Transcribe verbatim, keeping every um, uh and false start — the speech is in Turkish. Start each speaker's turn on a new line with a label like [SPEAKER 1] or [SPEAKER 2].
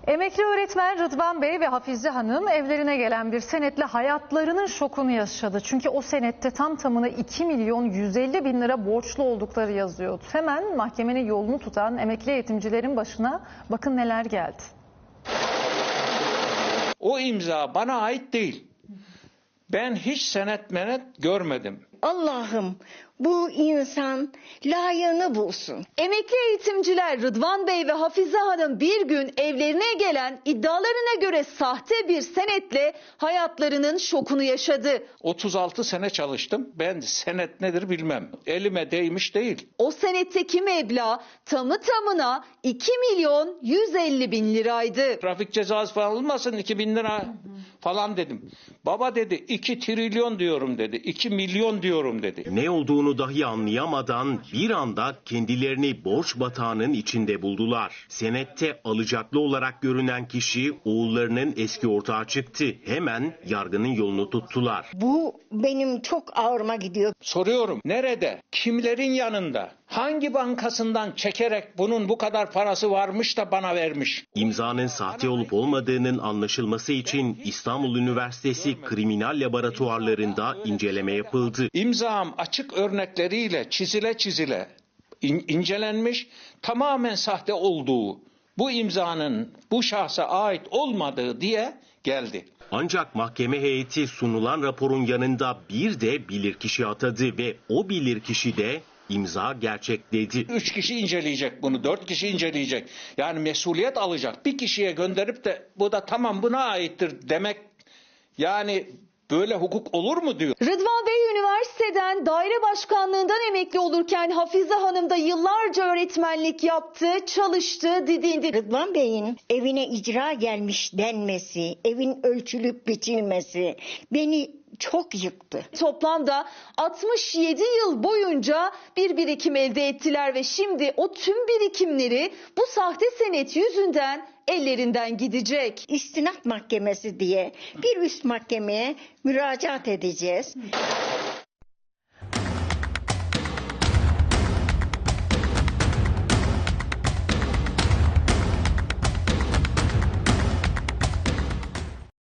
[SPEAKER 1] Emekli öğretmen Rıdvan Bey ve Hafize Hanım evlerine gelen bir senetle hayatlarının şokunu yaşadı. Çünkü o senette tam tamına iki milyon yüz elli bin lira borçlu oldukları yazıyordu. Hemen mahkemenin yolunu tutan emekli eğitimcilerin başına bakın neler geldi.
[SPEAKER 2] O imza bana ait değil. Ben hiç senet menet görmedim.
[SPEAKER 3] Allah'ım bu insan layığını bulsun.
[SPEAKER 4] Emekli eğitimciler Rıdvan Bey ve Hafize Hanım bir gün evlerine gelen iddialarına göre sahte bir senetle hayatlarının şokunu yaşadı.
[SPEAKER 2] otuz altı sene çalıştım. Ben senet nedir bilmem. Elime değmiş değil.
[SPEAKER 4] O senetteki meblağ tamı tamına iki milyon yüz elli bin liraydı.
[SPEAKER 2] Trafik cezası falan olmasın iki bin lira falan dedim. Baba dedi iki trilyon diyorum dedi. iki milyon diyorum dedi.
[SPEAKER 5] Ne olduğunu dahi anlayamadan bir anda kendilerini borç batağının içinde buldular. Senette alacaklı olarak görünen kişi oğullarının eski ortağı çıktı. Hemen yargının yolunu tuttular.
[SPEAKER 3] Bu benim çok ağrıma gidiyor.
[SPEAKER 2] Soruyorum nerede? Kimlerin yanında? Hangi bankasından çekerek bunun bu kadar parası varmış da bana vermiş?
[SPEAKER 5] İmzanın sahte olup olmadığının anlaşılması için İstanbul Üniversitesi Kriminal Laboratuvarlarında inceleme yapıldı.
[SPEAKER 2] İmzam açık örnekleriyle çizile çizile in- incelenmiş, tamamen sahte olduğu, bu imzanın bu şahsa ait olmadığı diye geldi.
[SPEAKER 5] Ancak mahkeme heyeti sunulan raporun yanında bir de bilirkişi atadı ve o bilirkişi de imza gerçek dedi.
[SPEAKER 2] Üç kişi inceleyecek bunu, dört kişi inceleyecek. Yani mesuliyet alacak. Bir kişiye gönderip de bu da tamam buna aittir demek, yani böyle hukuk olur mu diyor.
[SPEAKER 4] Rıdvan Bey üniversiteden daire başkanlığından emekli olurken Hafize Hanım da yıllarca öğretmenlik yaptı, çalıştı, didindi.
[SPEAKER 3] Rıdvan Bey'in evine icra gelmiş denmesi, evin ölçülüp biçilmesi beni çok yıktı.
[SPEAKER 4] Toplamda altmış yedi yıl boyunca bir birikim elde ettiler ve şimdi o tüm birikimleri bu sahte senet yüzünden ellerinden gidecek.
[SPEAKER 3] İstinaf mahkemesi diye bir üst mahkemeye müracaat edeceğiz.